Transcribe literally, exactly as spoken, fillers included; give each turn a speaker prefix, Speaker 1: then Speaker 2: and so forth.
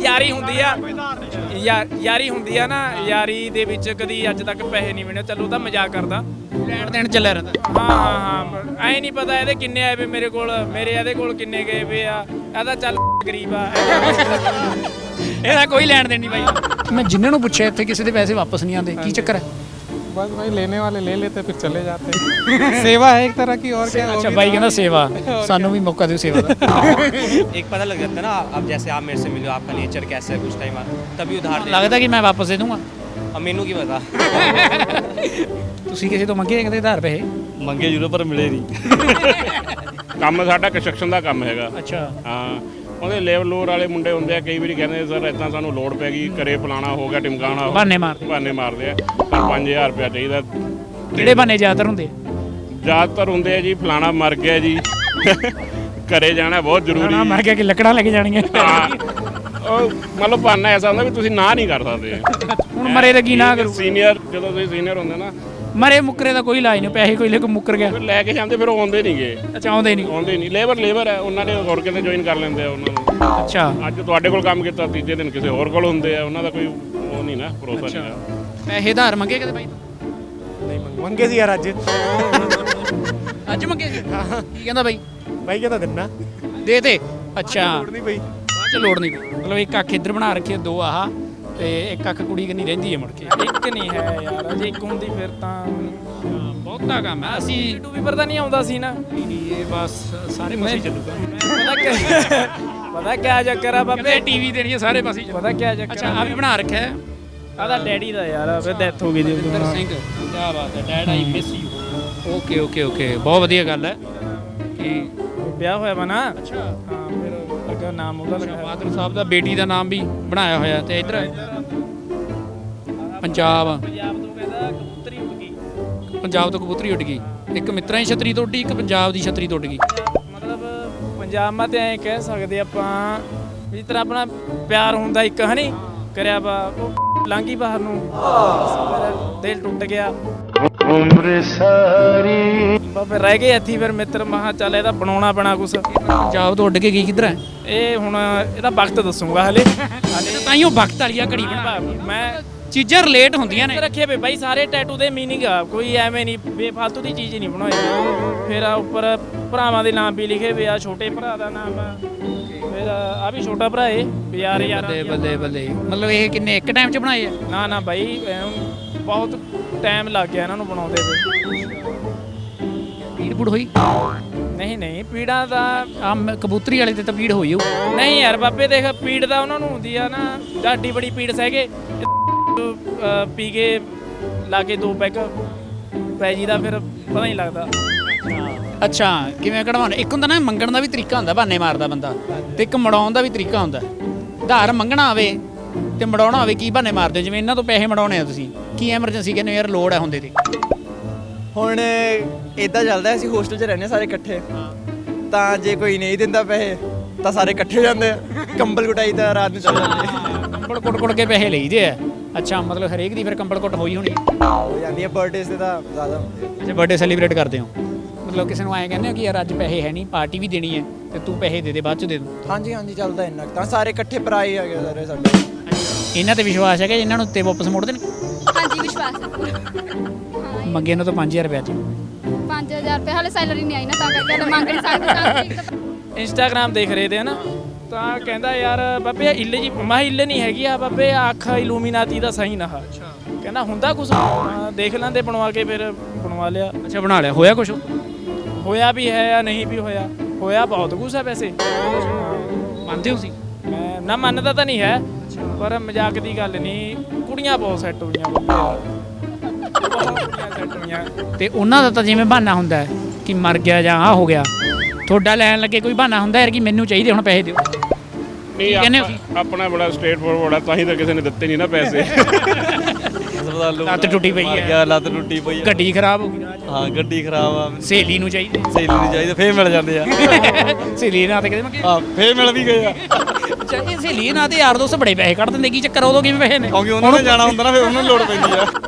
Speaker 1: ਯਾਰੀ ਹੁੰਦੀ ਆ ਯਾ ਯਾਰੀ ਹੁੰਦੀ ਆ ਨਾ ਯਾਰੀ ਦੇ ਵਿੱਚ ਕਦੀ ਅੱਜ ਤੱਕ ਪੈਸੇ ਨਹੀਂ ਮਿਲੇ। ਚਲੋ ਤਾਂ ਮਜ਼ਾਕ ਕਰਦਾ,
Speaker 2: ਲੈਣ ਦੇਣ ਚੱਲਿਆ ਰਹਿੰਦਾ।
Speaker 1: ਹਾਂ ਹਾਂ ਹਾਂ ਐ ਨਹੀਂ ਪਤਾ ਇਹਦੇ ਕਿੰਨੇ ਆਏ ਵੇ ਮੇਰੇ ਕੋਲ, ਮੇਰੇ ਇਹਦੇ ਕੋਲ ਕਿੰਨੇ ਗਏ ਵੇ ਆ। ਇਹਦਾ ਚੱਲ ਗਰੀਬ ਆ,
Speaker 2: ਇਹਦਾ ਕੋਈ ਲੈਣ ਦੇਣ ਨਹੀਂ ਬਾਈ। ਮੈਂ ਜਿੰਨਾਂ ਨੂੰ ਪੁੱਛਿਆ ਇੱਥੇ ਕਿਸੇ ਦੇ ਪੈਸੇ ਵਾਪਸ ਨਹੀਂ ਆਉਂਦੇ, ਕੀ ਚੱਕਰ ਹੈ?
Speaker 3: बस भाई लेने वाले ले लेते फिर चले जाते सेवा है एक तरह की और क्या।
Speaker 2: अच्छा भाई कहना सेवा, सानू भी मौका दो सेवा का।
Speaker 4: एक पता लग जाता है ना, अब जैसे आप मेरे से मिलो, आपका नेचर कैसा है कुछ टाइम बाद, तभी उधार दे।
Speaker 2: लगता कि मैं वापस दे दूंगा।
Speaker 4: अब मैनू की पता
Speaker 2: ਤੁਸੀਂ ਕਿਸੇ ਤੋਂ ਮੰਗੇ ਕਹਿੰਦੇ ਆਧਾਰ ਪੈਸੇ?
Speaker 5: ਮੰਗੇ ਜ਼ਰੂਰ ਪਰ ਮਿਲੇ ਨਹੀਂ। ਕੰਮ ਸਾਡਾ ਕੰਸਟਰਕਸ਼ਨ ਦਾ ਕੰਮ ਹੈਗਾ।
Speaker 2: ਅੱਛਾ
Speaker 5: ਹਾਂ, ਉਹਦੇ ਲੇਬਰ ਲੋਰ ਵਾਲੇ ਮੁੰਡੇ ਹੁੰਦੇ ਆ, ਕਈ ਵਾਰੀ ਕਹਿੰਦੇ ਸਰ ਇੱਦਾਂ ਸਾਨੂੰ ਲੋੜ ਪੈ ਗਈ, ਘਰੇ ਫਲਾਣਾ ਹੋ ਗਿਆ, ਟਿਮਕਾਣਾ ਹੋ,
Speaker 2: ਬਹਾਨੇ ਮਾਰਦੇ।
Speaker 5: ਬਹਾਨੇ ਮਾਰਦੇ ਆ। ਪਰ ਪੰਜ ਹਜ਼ਾਰ ਰੁਪਇਆ ਚਾਹੀਦਾ।
Speaker 2: ਕਿਹੜੇ ਬਹਾਨੇ ਜ਼ਿਆਦਾਤਰ ਹੁੰਦੇ?
Speaker 5: ਜ਼ਿਆਦਾਤਰ ਹੁੰਦੇ ਆ ਜੀ ਫਲਾਣਾ ਮਰ ਗਿਆ ਜੀ, ਘਰੇ ਜਾਣਾ ਬਹੁਤ ਜ਼ਰੂਰੀ।
Speaker 2: ਨਾ ਮਰ ਗਿਆ ਕਿ ਲੱਕੜਾਂ ਲੈ ਕੇ ਜਾਣੀਆਂ।
Speaker 5: ਹਾਂ, ਉਹ ਮਤਲਬ ਬਹਾਨਾ ਐਸਾ ਹੁੰਦਾ ਵੀ ਤੁਸੀਂ ਨਾ ਨਹੀਂ ਕਰ ਸਕਦੇ।
Speaker 2: ਹੁਣ ਮਰੇ ਦਾ ਕੀ ਨਾ ਕਰੂ?
Speaker 5: ਸੀਨੀਅਰ ਜਦੋਂ ਤੁਸੀਂ ਸੀਨੀਅਰ ਹੁੰਦੇ ਨਾ,
Speaker 2: ਮਰੇ ਮੁੱਕਰੇ ਦਾ ਕੋਈ ਇਲਾਜ ਨਹੀਂ, ਪੈਸੇ ਕੋਈ ਲੈ ਕੇ ਮੁੱਕਰ ਗਿਆ।
Speaker 5: ਫਿਰ ਲੈ ਕੇ ਜਾਂਦੇ, ਫਿਰ ਉਹ ਆਉਂਦੇ ਨਹੀਂਗੇ।
Speaker 2: ਅੱਛਾ ਆਉਂਦੇ ਨਹੀਂ?
Speaker 5: ਆਉਂਦੇ ਨਹੀਂ। ਲੇਬਰ ਲੇਬਰ ਹੈ, ਉਹਨਾਂ ਨੇ ਹੋਰ ਕਿਤੇ ਜੁਆਇਨ ਕਰ ਲੈਂਦੇ ਆ ਉਹਨਾਂ ਨੂੰ।
Speaker 2: ਅੱਛਾ
Speaker 5: ਅੱਜ ਤੁਹਾਡੇ ਕੋਲ ਕੰਮ ਕੀਤਾ, ਤੀਜੇ ਦਿਨ ਕਿਸੇ ਹੋਰ ਕੋਲ ਹੁੰਦੇ ਆ, ਉਹਨਾਂ ਦਾ ਕੋਈ ਉਹ ਨਹੀਂ ਨਾ, ਭਰੋਸਾ ਨਹੀਂ ਆ।
Speaker 2: ਪੈਸੇ ਉਧਾਰ ਮੰਗੇ ਕਦੇ ਬਾਈ?
Speaker 3: नहीं मंगे सी यार अज
Speaker 2: ਅੱਜ ਮੰਗੇ ਸੀ? ਕੀ ਕਹਿੰਦਾ ਬਾਈ?
Speaker 3: भाई कहता देना
Speaker 2: ਦੇ ਤੇ। ਅੱਛਾ
Speaker 3: नहीं भाई
Speaker 2: ਬਾਅਦ ਚ ਲੋੜ ਨਹੀਂ ਪਈ। ਮਤਲਬ ਇੱਕ ਅੱਖ ਇੱਧਰ ਬਣਾ ਰੱਖੀ, ਦੋ ਆਹ ਤੇ ਇੱਕ ਅੱਖ ਕੁੜੀ ਕੰਨੀ ਰਹਿੰਦੀ ਹੈ ਮੁੜ ਕੇ।
Speaker 1: ਇੱਕ ਨਹੀਂ ਹੈ ਯਾਰ, ਜੇ ਇੱਕ ਹੁੰਦੀ ਫਿਰ ਤਾਂ
Speaker 2: ਬਹੁਤਾ ਕੰਮ ਹੈ। ਅਸੀਂ
Speaker 1: ਟੂ ਵੀ ਪਰਦਾ ਨਹੀਂ ਆਉਂਦਾ ਸੀ ਨਾ।
Speaker 2: ਇਹ ਬਸ ਸਾਰੇ ਪਾਸੇ ਚੱਲੂਗਾ।
Speaker 1: ਪਤਾ ਕਿ ਪਤਾ ਕਿਆ ਚੱਕਰ ਆ ਬਾਬੇ,
Speaker 2: ਕਹਿੰਦੇ ਟੀਵੀ ਦੇਣੀ ਹੈ ਸਾਰੇ ਪਾਸੇ।
Speaker 1: ਪਤਾ ਕਿਆ ਚੱਕਰ
Speaker 2: ਅੱਛਾ ਆ ਵੀ ਬਣਾ ਰੱਖਿਆ ਹੈ?
Speaker 1: ਆਦਾ ਡੈਡੀ ਦਾ ਯਾਰ, ਫਿਰ ਡੈਥ ਹੋ ਗਈ ਦੀ।
Speaker 2: ਵਿੰਦਰ ਸਿੰਘ, ਕੀ ਬਾਤ ਹੈ। Dad I miss you. Okay okay okay, ਬਹੁਤ ਵਧੀਆ ਗੱਲ ਹੈ ਕਿ
Speaker 1: ਵਿਆਹ ਹੋਇਆ ਵਾ ਨਾ।
Speaker 2: ਅੱਛਾ
Speaker 1: ਹਾਂ, ਫਿਰ ਲੱਗਾ ਨਾਮ ਉਹਦਾ ਲੱਗਾ।
Speaker 2: ਫਾਦਰ ਸਾਹਿਬ ਦਾ ਬੇਟੀ ਦਾ ਨਾਮ ਵੀ ਬਣਾਇਆ ਹੋਇਆ। ਤੇ ਇੱਧਰ ਪੰਜਾਬ
Speaker 1: ਪੰਜਾਬ ਤੋਂ ਕਹਿੰਦਾ ਕਬੂਤਰੀ ਉੱਡ ਗਈ।
Speaker 2: ਪੰਜਾਬ ਤੋਂ ਕਬੂਤਰੀ ਉੱਡ ਗਈ। ਇੱਕ ਮਿੱਤਰਾਂ ਦੀ ਛਤਰੀ ਤੋਂ ਉੱਡੀ, ਇੱਕ ਪੰਜਾਬ ਦੀ ਛਤਰੀ ਤੋਂ ਉੱਡ ਗਈ।
Speaker 1: ਮਤਲਬ ਪੰਜਾਬ ਮਾ ਤੇ ਐਂ ਕਹਿ ਸਕਦੇ ਆਪਾਂ ਵੀ ਜਿਸ ਤਰ੍ਹਾਂ ਆਪਣਾ ਪਿਆਰ ਹੁੰਦਾ ਇੱਕ ਹਨੀ ਕਰਿਆ ਵਾ, ਉਹ ਲਾਂਗੀ ਬਾਹਰ ਨੂੰ, ਮੇਰਾ ਦਿਲ ਟੁੱਟ ਗਿਆ। ਉਮਰ ਸਾਰੀ ਬਾਬੇ ਰਹਿ ਗਏ ਇੱਥੇ। ਫਿਰ ਮਿੱਤਰ ਮਹਾ ਚੱਲ ਇਹਦਾ ਬਣਾਉਣਾ ਪੈਣਾ ਕੁਛ।
Speaker 2: ਪੰਜਾਬ ਤੋਂ ਉੱਡ ਕੇ ਗਈ ਕਿੱਧਰ ਹੈ?
Speaker 1: ਇਹ ਹੁਣ ਇਹਦਾ ਵਕਤ ਦੱਸੂਗਾ ਹਲੇ।
Speaker 2: ਤਾਂ ਹੀ ਉਹ ਵਕਤ ਵਾਲੀ ਆ ਘੜੀ ਬਣਾ।
Speaker 1: ਮੈਂ
Speaker 2: ਚੀਜ਼ਾਂ ਰਿਲੇਟ ਹੁੰਦੀਆਂ ਨੇ।
Speaker 1: ਰੱਖੇ ਵੇ ਬਾਈ ਸਾਰੇ ਟੈਟੂ ਦੇ ਮੀਨਿੰਗ ਆ, ਕੋਈ ਐਵੇਂ ਨਹੀਂ ਬੇਫਾਲਤੂ ਦੀ ਚੀਜ਼ ਨਹੀਂ ਬਣਾਈ। ਫਿਰ ਆ ਉੱਪਰ ਭਰਾਵਾਂ ਦੇ ਨਾਮ ਵੀ ਲਿਖੇ ਵੇ ਆ, ਛੋਟੇ ਭਰਾ ਦਾ ਨਾਮ ਆ, ਫਿਰ ਆ ਵੀ ਛੋਟਾ ਭਰਾ ਏ ਯਾਰ ਯਾਰ।
Speaker 2: ਬੱਲੇ ਬੱਲੇ ਬੱਲੇ। ਮਤਲਬ ਇਹ ਕਿੰਨੇ ਇੱਕ ਟਾਈਮ 'ਚ ਬਣਾਏ ਆ?
Speaker 1: ਨਾ ਨਾ ਬਾਈ ਬਹੁਤ ਟਾਈਮ ਲੱਗ ਗਿਆ ਇਹਨਾਂ ਨੂੰ ਬਣਾਉਂਦੇ ਵੇ।
Speaker 2: ਪੀੜ ਪੂੜ ਹੋਈ?
Speaker 1: ਨਹੀਂ ਨਹੀਂ ਪੀੜਾਂ ਦਾ
Speaker 2: ਆ ਕਬੂਤਰੀ ਵਾਲੇ ਤੇ ਤਾਂ ਪੀੜ ਹੋਈ ਹੋਊ।
Speaker 1: ਨਹੀਂ ਯਾਰ ਬਾਬੇ ਦੇਖ, ਪੀੜ ਦਾ ਉਹਨਾਂ ਨੂੰ ਹੁੰਦੀ ਆ ਨਾ, ਡਾਡੀ ਬੜੀ ਪੀੜ ਸਹਿਗੇ ਪੀ ਕੇ ਲਾ ਕੇ ਦੋ ਪੈਗ ਪੈ ਜੀ ਦਾ, ਫਿਰ ਪਤਾ ਨਹੀਂ ਲੱਗਦਾ।
Speaker 2: ਅੱਛਾ ਕਿਵੇਂ ਕਢਵਾਉਣਾ? ਇੱਕ ਹੁੰਦਾ ਨਾ ਮੰਗਣ ਦਾ ਵੀ ਤਰੀਕਾ ਹੁੰਦਾ, ਬਹਾਨੇ ਮਾਰਦਾ ਬੰਦਾ, ਤੇ ਇੱਕ ਮੜਾਉਣ ਦਾ ਵੀ ਤਰੀਕਾ ਹੁੰਦਾ। ਉਧਾਰ ਮੰਗਣਾ ਹੋਵੇ ਤੇ ਮੜਾਉਣਾ ਹੋਵੇ, ਕੀ ਬਹਾਨੇ ਮਾਰਦੇ ਹੋ? ਜਿਵੇਂ ਇਹਨਾਂ ਤੋਂ ਪੈਸੇ ਮੜਾਉਣੇ ਆ ਤੁਸੀਂ, ਕੀ ਐਮਰਜੈਂਸੀ ਕਹਿੰਦੇ ਯਾਰ ਲੋੜ ਹੈ ਹੁੰਦੇ ਤੇ?
Speaker 6: ਹੁਣ ਇਦਾਂ ਚੱਲਦਾ, ਅਸੀਂ ਹੋਸਟਲ 'ਚ ਰਹਿੰਦੇ ਸਾਰੇ ਇਕੱਠੇ, ਤਾਂ ਜੇ ਕੋਈ ਨਹੀਂ ਦਿੰਦਾ ਪੈਸੇ ਤਾਂ ਸਾਰੇ ਇਕੱਠੇ ਹੋ ਜਾਂਦੇ ਆ, ਕੰਬਲ ਕੁਟਾਈ ਤਾਂ ਰਾਤ ਨੂੰ ਚੱਲ ਜਾਂਦੇ ਆ।
Speaker 2: ਕੰਬਲ ਕੁੱਟ ਕੁੱਟ ਕੇ ਪੈਸੇ ਲਈਦੇ ਆ। ਅੱਛਾ ਮਤਲਬ ਹਰੇਕ ਦੀ ਫਿਰ ਕੰਬਲ ਕੁੱਟ ਹੋਈ ਹੋਣੀ?
Speaker 6: ਹੋ ਜਾਂਦੀ ਆ, ਬਰਥਡੇ 'ਤੇ ਤਾਂ ਜ਼ਿਆਦਾ ਹੁੰਦੇ ਆ।
Speaker 2: ਅੱਛਾ ਬਰਥਡੇ ਸੈਲੀਬ੍ਰੇਟ ਕਰਦੇ ਹੋ? ਮਤਲਬ ਕਿਸੇ ਨੂੰ ਐਂ ਕਹਿੰਦੇ ਹੋ ਕਿ ਯਾਰ ਅੱਜ ਪੈਸੇ ਹੈ ਨਹੀਂ, ਪਾਰਟੀ ਵੀ ਦੇਣੀ ਹੈ ਤੇ ਤੂੰ ਪੈਸੇ ਦੇ ਦੇ, ਬਾਅਦ 'ਚ ਦੇ ਦੂੰ?
Speaker 6: ਹਾਂਜੀ ਹਾਂਜੀ ਚੱਲਦਾ ਇੰਨਾ ਕੁ ਤਾਂ, ਸਾਰੇ ਇਕੱਠੇ ਭਰਾ ਹੀ ਆ ਗਏ ਸਾਰੇ ਸਾਡੇ।
Speaker 2: ਇਹਨਾਂ ਤੇ ਵਿਸ਼ਵਾਸ ਹੈ ਕਿ ਇਹਨਾਂ ਨੂੰ ਉੱਤੇ ਵਾਪਸ ਮੋੜ ਦੇਣ?
Speaker 7: ਹਾਂਜੀ ਵਿਸ਼ਵਾਸ ਹੈ।
Speaker 2: ਮੰਗੇ ਇਹਨਾਂ ਤੋਂ ਪੰਜ ਹਜ਼ਾਰ ਰੁਪਇਆ 'ਚ
Speaker 7: ਪੰਜ ਹਜ਼ਾਰ ਰੁਪਏ ਹਾਲੇ ਸੈਲਰੀ ਨਹੀਂ ਆਈ ਨਾ, ਤਾਂ ਕਰਕੇ ਹਲੇ ਮੰਗ ਨਹੀਂ ਸਕਦੇ।
Speaker 1: ਇੰਸਟਾਗ੍ਰਾਮ ਦੇਖ ਰਹੇ ਤੇ ਨਾ, ਤਾਂ ਕਹਿੰਦਾ ਯਾਰ ਬਾਬੇ ਇੱਲ ਜੀ, ਮੈਂ ਇੱਲ ਨਹੀਂ ਹੈਗੀ ਆ ਬਾਬੇ, ਅੱਖ ਇਲੂਮੀਨਾਤੀ ਦਾ ਸਹੀ ਨਾ। ਕਹਿੰਦਾ ਹੁੰਦਾ ਕੁਛ, ਦੇਖ ਲੈਂਦੇ ਬਣਵਾ ਕੇ, ਫਿਰ ਬਣਵਾ ਲਿਆ।
Speaker 2: ਅੱਛਾ ਬਣਾ ਲਿਆ। ਹੋਇਆ ਕੁਛ?
Speaker 1: ਹੋਇਆ ਵੀ ਹੈ ਜਾਂ ਨਹੀਂ ਵੀ ਹੋਇਆ, ਹੋਇਆ ਬਹੁਤ ਕੁਛ ਹੈ ਵੈਸੇ।
Speaker 2: ਮੰਨਦੇ ਹੋ ਤੁਸੀਂ?
Speaker 1: ਮੈਂ ਨਾ ਮੰਨਦਾ ਤਾਂ ਨਹੀਂ ਹੈ, ਪਰ ਮਜ਼ਾਕ ਦੀ ਗੱਲ ਨਹੀਂ, ਕੁੜੀਆਂ ਬਹੁਤ ਸੈੱਟ ਹੋਈਆਂ ਬਾਬੇ, ਬਹੁਤ ਕੁੜੀਆਂ ਸੈੱਟ ਹੋਈਆਂ।
Speaker 2: ਤੇ ਉਹਨਾਂ ਦਾ ਤਾਂ ਜਿਵੇਂ ਬਹਾਨਾ ਹੁੰਦਾ ਹੈ ਕਿ ਮਰ ਗਿਆ ਜਾਂ ਆਹ ਹੋ ਗਿਆ, ਤੁਹਾਡਾ ਲੈਣ ਲੱਗੇ ਕੋਈ ਬਹਾਨਾ ਹੁੰਦਾ ਯਾਰ ਕਿ ਮੈਨੂੰ ਚਾਹੀਦੇ ਹੁਣ ਪੈਸੇ ਦਿਓ?
Speaker 5: ਨਹੀਂ ਆਪਾਂ- ਆਪਣਾ ਬੜਾ ਸਟ੍ਰੇਟ ਫੋਰਵਰਡ ਆ, ਤਾਂ ਹੀ ਤਾਂ ਕਿਸੇ ਨੇ ਦਿੱਤੇ ਨਹੀਂ ਨਾ ਪੈਸੇ।
Speaker 2: ਲੱਤ ਟੁੱਟੀ ਪਈ ਹੈ,
Speaker 8: ਲੱਤ ਟੁੱਟੀ ਪਈ ਹੈ,
Speaker 2: ਗੱਡੀ ਖਰਾਬ ਹੋ ਗਈ,
Speaker 8: ਹਾਂ ਗੱਡੀ ਖਰਾਬ ਆ,
Speaker 2: ਸਹੇਲੀ ਨੂੰ ਚਾਹੀਦੇ,
Speaker 8: ਸਹੇਲੀ ਨਹੀਂ ਚਾਹੀਦਾ, ਫੇਰ ਮਿਲ ਜਾਂਦੇ ਆ।
Speaker 2: ਸਹੇਲੀ ਨਾਲ ਤੇ ਕਿਤੇ ਮੰਗੇ,
Speaker 8: ਹਾਂ ਫੇਰ ਮਿਲ ਵੀ ਗਏ ਆ,
Speaker 2: ਚਾਹੀਦੇ ਸਹੇਲੀ ਨਾਲ ਤੇ ਯਾਰ ਦੋਸਤ ਬੜੇ ਪੈਸੇ ਕੱਢ ਦਿੰਦੇ, ਕੀ ਚੱਕਰ? ਉਦੋਂ ਕਿਵੇਂ ਪੈਸੇ ਨੇ?
Speaker 8: ਕਿਉਂਕਿ ਉਹਨਾਂ ਨੇ ਜਾਣਾ ਹੁੰਦਾ ਨਾ, ਫਿਰ ਉਹਨਾਂ ਨੂੰ ਲੋੜ ਪੈਂਦੀ ਆ।